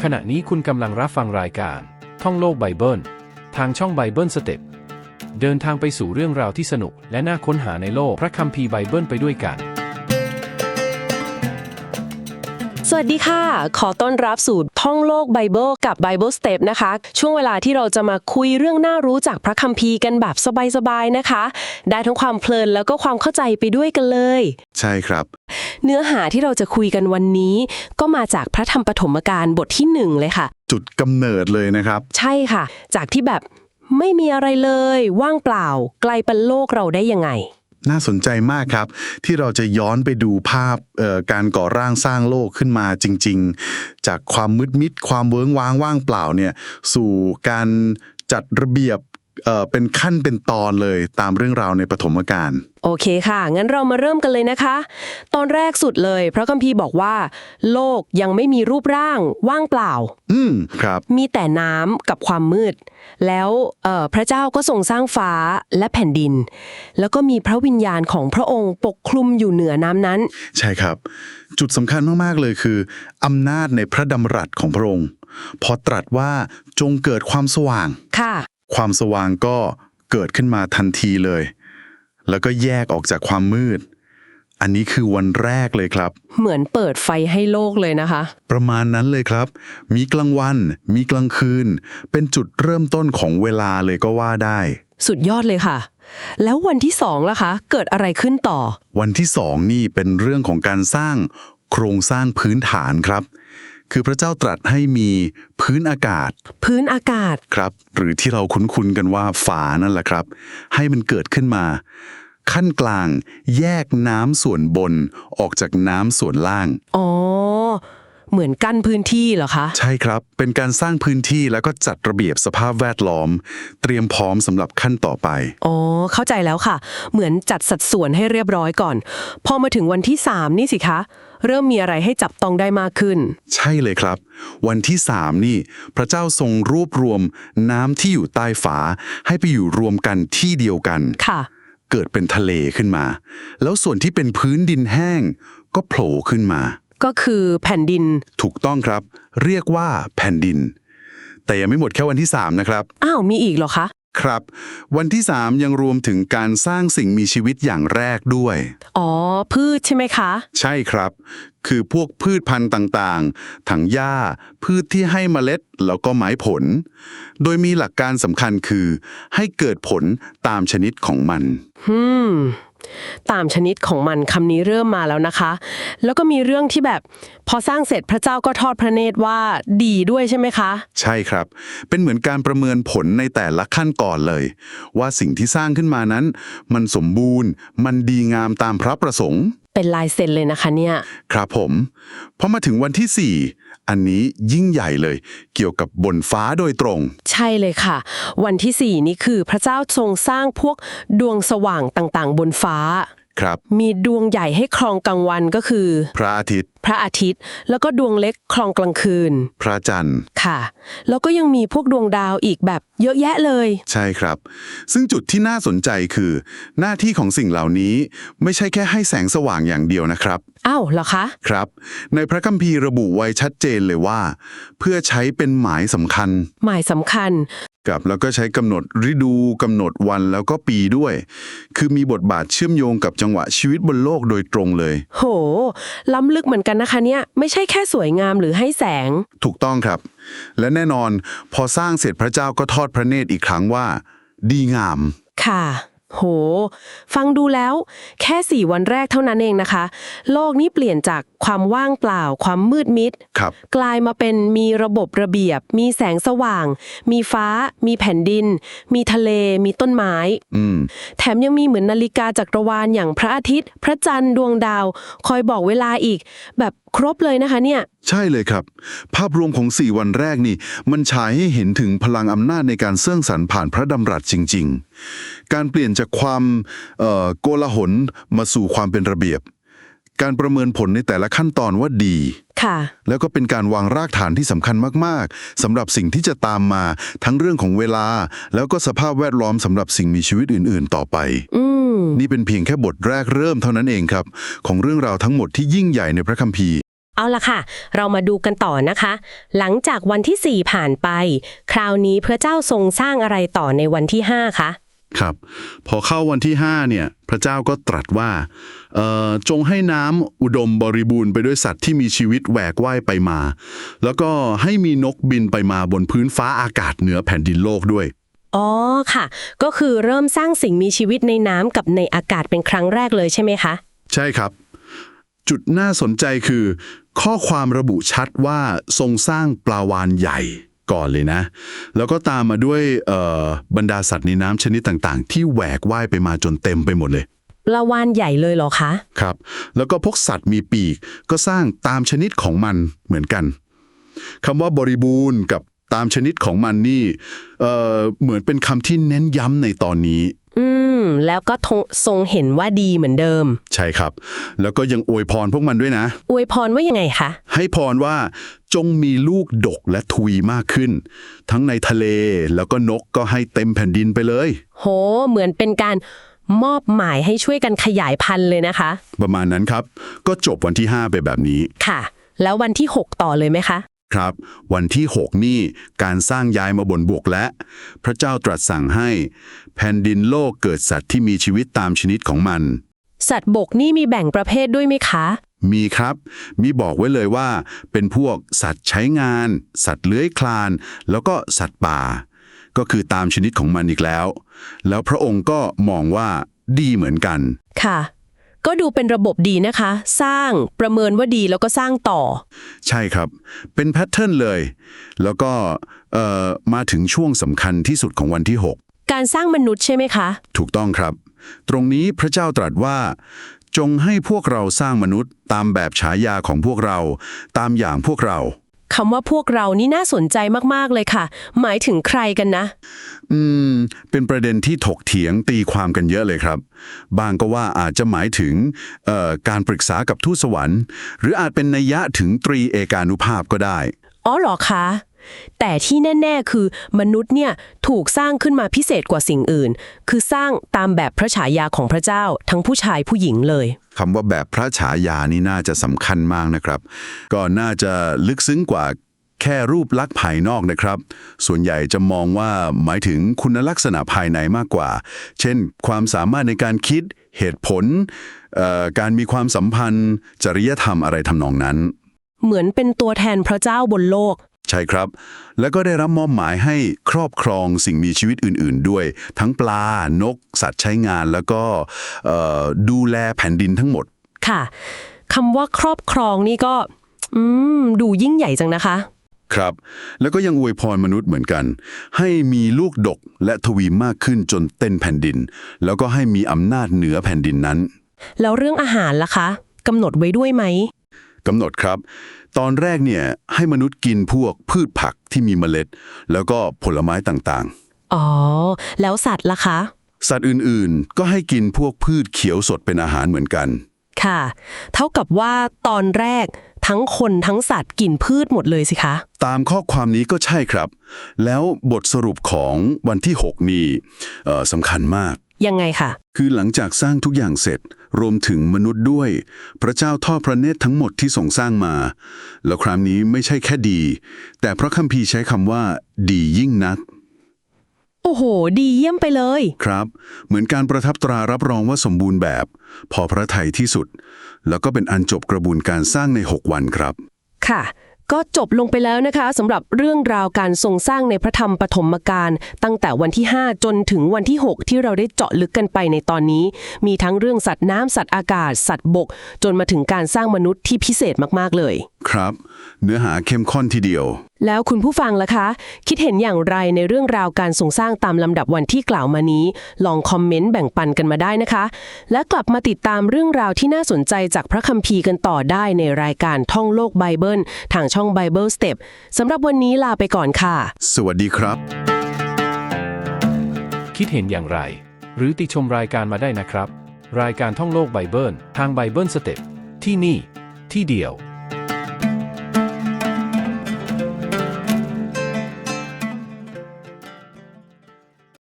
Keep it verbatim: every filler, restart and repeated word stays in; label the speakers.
Speaker 1: ขณะนี้คุณกำลังรับฟังรายการท่องโลกไบเบิลทางช่องไบเบิลสเต็ปเดินทางไปสู่เรื่องราวที่สนุกและน่าค้นหาในโลกพระคัมภีร์ไบเบิลไปด้วยกัน
Speaker 2: สวัสดีค่ะขอต้อนรับสู่ท่องโลกไบเบิลกับ Bible Step นะคะช่วงเวลาที่เราจะมาคุยเรื่องน่ารู้จากพระคัมภีร์กันแบบสบายๆนะคะได้ทั้งความเพลินแล้วก็ความเข้าใจไปด้วยกันเลย
Speaker 3: ใช่ครับ
Speaker 2: เนื้อหาที่เราจะคุยกันวันนี้ก็มาจากพระธรรมปฐมกาลบทที่หนึ่งเลยค่ะ
Speaker 3: จุดกำเนิดเลยนะครับ
Speaker 2: ใช่ค่ะจากที่แบบไม่มีอะไรเลยว่างเปล่าไกลเป็นโลกเราได้ยังไง
Speaker 3: น่าสนใจมากครับที่เราจะย้อนไปดูภาพการก่อร่างสร้างโลกขึ้นมาจริงๆจากความมืดมิดความเวิ้งว้างว่างเปล่าเนี่ยสู่การจัดระเบียบเอ่อเป็นขั้นเป็นตอนเลยตามเรื่องราวในปฐมกาล
Speaker 2: โอเคค่ะงั้นเรามาเริ่มกันเลยนะคะตอนแรกสุดเลยพระคัมภีร์บอกว่าโลกยังไม่มีรูปร่างว่างเปล่า
Speaker 3: อืมครับ
Speaker 2: มีแต่น้ำกับความมืดแล้วเอ่อพระเจ้าก็ทรงสร้างฟ้าและแผ่นดินแล้วก็มีพระวิญญาณของพระองค์ปกคลุมอยู่เหนือน้ำนั้น
Speaker 3: ใช่ครับจุดสำคัญมากๆเลยคืออำนาจในพระดำรัสของพระองค์พอตรัสว่าจงเกิดความสว่าง
Speaker 2: ค่ะ
Speaker 3: ความสว่างก็เกิดขึ้นมาทันทีเลยแล้วก็แยกออกจากความมืดอันนี้คือวันแรกเลยครับ
Speaker 2: เหมือนเปิดไฟให้โลกเลยนะคะ
Speaker 3: ประมาณนั้นเลยครับมีกลางวันมีกลางคืนเป็นจุดเริ่มต้นของเวลาเลยก็ว่าได้
Speaker 2: สุดยอดเลยค่ะแล้ววันที่สองล่ะคะเกิดอะไรขึ้นต่อ
Speaker 3: วันที่สองนี่เป็นเรื่องของการสร้างโครงสร้างพื้นฐานครับคือพระเจ้าตรัสให้มีพื้นอากาศ
Speaker 2: พื้นอากาศ
Speaker 3: ครับหรือที่เราคุ้นๆกันว่าฝานั่นแหละครับให้มันเกิดขึ้นมาขั้นกลางแยกน้ำส่วนบนออกจากน้ำส่วนล่าง
Speaker 2: อ๋อเหมือนกั้นพื้นที่เหรอคะ
Speaker 3: ใช่ครับเป็นการสร้างพื้นที่แล้วก็จัดระเบียบสภาพแวดล้อมเตรียมพร้อมสำหรับขั้นต่อไป
Speaker 2: อ๋อเข้าใจแล้วค่ะเหมือนจัดสัดส่วนให้เรียบร้อยก่อนพอมาถึงวันที่สามนี่สิคะเริ่มมีอะไรให้จับต้องได้มากขึ้น
Speaker 3: ใช่เลยครับวันที่สามนี่พระเจ้าทรงรวบรวมน้ำที่อยู่ใต้ฝาให้ไปอยู่รวมกันที่เดียวกัน
Speaker 2: ค่ะ
Speaker 3: เกิดเป็นทะเลขึ้นมาแล้วส่วนที่เป็นพื้นดินแห้งก็โผล่ขึ้นมา
Speaker 2: ก็คือแผ่นดิน
Speaker 3: ถูกต้องครับเรียกว่าแผ่นดินแต่ยังไม่หมดแค่วันที่สามนะครับ
Speaker 2: อ้าวมีอีกเหรอคะ
Speaker 3: ครับวันที่สามยังรวมถึงการสร้างสิ่งมีชีวิตอย่างแรกด้วย
Speaker 2: อ๋อพืชใช่ไหมคะ
Speaker 3: ใช่ครับคือพวกพืชพันธุ์ต่างๆถังหญ้าพืชที่ให้เมล็ดแล้วก็ไม้ผลโดยมีหลักการสำคัญคือให้เกิดผลตามชนิดของมัน
Speaker 2: ฮึมตามชนิดของมันคำนี้เริ่มมาแล้วนะคะแล้วก็มีเรื่องที่แบบพอสร้างเสร็จพระเจ้าก็ทอดพระเนตรว่าดีด้วยใช่ไหมคะ
Speaker 3: ใช่ครับเป็นเหมือนการประเมินผลในแต่ละขั้นก่อนเลยว่าสิ่งที่สร้างขึ้นมานั้นมันสมบูรณ์มันดีงามตามพระประสงค์
Speaker 2: เป็นลายเซ็นเลยนะคะเนี่ย
Speaker 3: ครับผมพอมาถึงวันที่สี่อันนี้ยิ่งใหญ่เลยเกี่ยวกับบนฟ้าโดยตรง
Speaker 2: ใช่เลยค่ะวันที่สี่นี่คือพระเจ้าทรงสร้างพวกดวงสว่างต่างๆบนฟ้า
Speaker 3: ครับ
Speaker 2: มีดวงใหญ่ให้ครองกลางวันก็คือ
Speaker 3: พระอาทิตย์
Speaker 2: พระอาทิตย์แล้วก็ดวงเล็กครองกลางคืน
Speaker 3: พระจันทร์
Speaker 2: ค่ะแล้วก็ยังมีพวกดวงดาวอีกแบบเยอะแยะเลย
Speaker 3: ใช่ครับซึ่งจุดที่น่าสนใจคือหน้าที่ของสิ่งเหล่านี้ไม่ใช่แค่ให้แสงสว่างอย่างเดียวนะครับ
Speaker 2: อ้าวเหรอคะ
Speaker 3: ครับในพระคัมภีร์ระบุไว้ชัดเจนเลยว่าเพื่อใช้เป็นหมายสำคัญ
Speaker 2: หมายสำคัญ
Speaker 3: กับแล้วก็ใช้กำหนดฤดูกำหนดวันแล้วก็ปีด้วยคือมีบทบาทเชื่อมโยงกับจังหวะชีวิตบนโลกโดยตรงเลย
Speaker 2: โหล้ำลึกเหมือนกันนะคะเนี่ยไม่ใช่แค่สวยงามหรือให้แสง
Speaker 3: ถูกต้องครับและแน่นอนพอสร้างเสร็จพระเจ้าก็ทอดพระเนตรอีกครั้งว่าดีงาม
Speaker 2: ค่ะโหฟังดูแล้วแค่สี่วันแรกเท่านั้นเองนะคะโลกนี้เปลี่ยนจากความว่างเปล่าความมืดมิดกลายมาเป็นมีระบบระเบียบมีแสงสว่างมีฟ้ามีแผ่นดินมีทะเลมีต้นไม้แถมยังมีเหมือนนาฬิกาจักรวาลอย่างพระอาทิตย์พระจันทร์ดวงดาวคอยบอกเวลาอีกแบบครบเลยนะคะเนี่ย
Speaker 3: ใช่เลยครับภาพรวมของสี่วันแรกนี่มันฉายให้เห็นถึงพลังอำนาจในการสร้างสรรค์ผ่านพระดำรัสจริงๆการเปลี่ยนจากความโกลาหลมาสู่ความเป็นระเบียบการประเมินผลในแต่ละขั้นตอนว่าดี
Speaker 2: ค่ะ
Speaker 3: แล้วก็เป็นการวางรากฐานที่สำคัญมากๆสำหรับสิ่งที่จะตามมาทั้งเรื่องของเวลาแล้วก็สภาพแวดล้อมสำหรับสิ่งมีชีวิตอื่นๆต่อไปนี่เป็นเพียงแค่บทแรกเริ่มเท่านั้นเองครับของเรื่องราวทั้งหมดที่ยิ่งใหญ่ในพระคัมภีร์
Speaker 2: เอาล่ะค่ะ เรามาดูกันต่อนะคะ หลังจากวันที่สี่ผ่านไป คราวนี้พระเจ้าทรงสร้างอะไรต่อในวันที่ห้าคะ
Speaker 3: ครับพอเข้าวันที่ห้าเนี่ยพระเจ้าก็ตรัสว่าเอ่อจงให้น้ำอุดมบริบูรณ์ไปด้วยสัตว์ที่มีชีวิตแหวกว่ายไปมา แล้วก็ให้มีนกบินไปมาบนพื้นฟ้าอากาศเหนือแผ่นดินโลกด้วย
Speaker 2: อ๋อค่ะ ก็คือเริ่มสร้างสิ่งมีชีวิตในน้ำกับในอากาศเป็นครั้งแรกเลยใช่ไหมคะ ใช่
Speaker 3: ครับจุดน่าสนใจคือ ข้อความระบุชัดว่าทรงสร้างปลาวาฬใหญ่ก่อนเลยนะแล้วก็ตามมาด้วยบรรดาสัตว์ในน้ำชนิดต่างๆที่แหวกว่ายไปมาจนเต็มไปหมดเลย
Speaker 2: ปลาวาฬใหญ่เลยเหรอคะ
Speaker 3: ครับแล้วก็พวกสัตว์มีปีกก็สร้างตามชนิดของมันเหมือนกันคำว่าบริบูรณ์กับตามชนิดของมันนี่เอ่อเหมือนเป็นคำที่เน้นย้ำในตอนนี้
Speaker 2: อืมแล้วก็ทรงเห็นว่าดีเหมือนเดิม
Speaker 3: ใช่ครับแล้วก็ยังอวยพรพวกมันด้วยนะ
Speaker 2: อวยพรว่ายังไงคะ
Speaker 3: ให้พรว่าจงมีลูกดกและทวีมากขึ้นทั้งในทะเลแล้วก็นกก็ให้เต็มแผ่นดินไปเลย
Speaker 2: โหเหมือนเป็นการมอบหมายให้ช่วยกันขยายพันธุ์เลยนะคะ
Speaker 3: ประมาณนั้นครับก็จบวันที่ห้าไปแบบนี้
Speaker 2: ค่ะแล้ววันที่หกต่อเลยไหมคะ
Speaker 3: ครับวันที่หกนี่การสร้างย้ายมาบนบกและพระเจ้าตรัสสั่งให้แผ่นดินโลกเกิดสัตว์ที่มีชีวิตตามชนิดของมัน
Speaker 2: สัตว์บกนี่มีแบ่งประเภทด้วยไหมคะ
Speaker 3: มีครับมีบอกไว้เลยว่าเป็นพวกสัตว์ใช้งานสัตว์เลื้อยคลานแล้วก็สัตว์ป่าก็คือตามชนิดของมันอีกแล้วแล้วพระองค์ก็มองว่าดีเหมือนกัน
Speaker 2: ค่ะก็ดูเป็นระบบดีนะคะ สร้างประเมินว่าดีแล้วก็สร้างต่อ
Speaker 3: ใช่ครับเป็นแพทเทิร์นเลยแล้วก็เอ่อมาถึงช่วงสำคัญที่สุดของวันที่หก
Speaker 2: การสร้างมนุษย์ใช่ไหมคะ
Speaker 3: ถูกต้องครับตรงนี้พระเจ้าตรัสว่าจงให้พวกเราสร้างมนุษย์ตามแบบฉายาของพวกเราตามอย่างพวกเรา
Speaker 2: คำว่าพวกเรานี่น่าสนใจมากๆเลยค่ะหมายถึงใครกันนะ
Speaker 3: อืมเป็นประเด็นที่ถกเถียงตีความกันเยอะเลยครับบางก็ว่าอาจจะหมายถึงเอ่อการปรึกษากับทูตสวรรค์หรืออาจเป็นนัยยะถึงตรีเอกานุภาพก็ได้
Speaker 2: อ๋อเหรอคะแต่ที่แน่ๆคือมนุษย์เนี่ยถูกสร้างขึ้นมาพิเศษกว่าสิ่งอื่นคือสร้างตามแบบพระฉายาของพระเจ้าทั้งผู้ชายผู้หญิงเลย
Speaker 3: คำว่าแบบพระฉายานี่น่าจะสำคัญมากนะครับก็น่าจะลึกซึ้งกว่าแค่รูปลักษณ์ภายนอกนะครับส่วนใหญ่จะมองว่าหมายถึงคุณลักษณะภายในมากกว่าเช่นความสามารถในการคิดเหตุผลการมีความสัมพันธ์จริยธรรมอะไรทำนองนั้น
Speaker 2: เหมือนเป็นตัวแทนพระเจ้าบนโลก
Speaker 3: ใช่ครับแล้วก็ได้รับมอบหมายให้ครอบครองสิ่งมีชีวิตอื่นๆด้วยทั้งปลานกสัตว์ใช้งานแล้วก็ดูแลแผ่นดินทั้งหมด
Speaker 2: ค่ะคำว่าครอบครองนี่ก็อืมดูยิ่งใหญ่จังนะคะ
Speaker 3: ครับแล้วก็ยังอวยพรมนุษย์เหมือนกันให้มีลูกดกและทวีมากขึ้นจนเต็มแผ่นดินแล้วก็ให้มีอำนาจเหนือแผ่นดินนั้น
Speaker 2: แล้วเรื่องอาหารล่ะคะกำหนดไว้ด้วยไหม
Speaker 3: กำหนดครับตอนแรกเนี่ยให้มนุษย์กินพวกพืชผักที่มีเมล็ดแล้วก็ผลไม้ต่าง
Speaker 2: ๆอ๋อแล้วสัตว์ล่ะคะ
Speaker 3: สัตว์อื่นๆก็ให้กินพวกพืชเขียวสดเป็นอาหารเหมือนกัน
Speaker 2: ค่ะเท่ากับว่าตอนแรกทั้งคนทั้งสัตว์กินพืชหมดเลยสิคะ
Speaker 3: ตามข้อความนี้ก็ใช่ครับแล้วบทสรุปของวันที่หกนี่สำคัญมาก
Speaker 2: ยังไงคะ
Speaker 3: คือหลังจากสร้างทุกอย่างเสร็จรวมถึงมนุษย์ด้วยพระเจ้าทอดพระเนตรทั้งหมดที่ทรงสร้างมาแล้วคราวนี้ไม่ใช่แค่ดีแต่พระคัมภีร์ใช้คำว่าดียิ่งนัก
Speaker 2: โอ้โหดีเยี่ยมไปเลย
Speaker 3: ครับเหมือนการประทับตรารับรองว่าสมบูรณ์แบบพอพระทัยที่สุดแล้วก็เป็นอันจบกระบวนการสร้างในหกวันครับ
Speaker 2: ค่ะก็จบลงไปแล้วนะคะสำหรับเรื่องราวการทรงสร้างในพระธรรมปฐมกาลตั้งแต่วันที่ห้าจนถึงวันที่หกที่เราได้เจาะลึกกันไปในตอนนี้มีทั้งเรื่องสัตว์น้ำสัตว์อากาศสัตว์บกจนมาถึงการสร้างมนุษย์ที่พิเศษมากๆเลย
Speaker 3: ครับเนื้อหาเข้มข้นทีเดียว
Speaker 2: แล้วคุณผู้ฟังล่ะคะคิดเห็นอย่างไรในเรื่องราวการทรงสร้างตามลำดับวันที่กล่าวมานี้ลองคอมเมนต์แบ่งปันกันมาได้นะคะและกลับมาติดตามเรื่องราวที่น่าสนใจจากพระคัมภีร์กันต่อได้ในรายการท่องโลกไบเบิลทางช่อง Bible Step สำหรับวันนี้ลาไปก่อนค่ะ
Speaker 3: สวัสดีครับ
Speaker 1: คิดเห็นอย่างไรหรือติชมรายการมาได้นะครับรายการท่องโลกไบเบิลทาง Bible Step ที่นี่ที่เดียว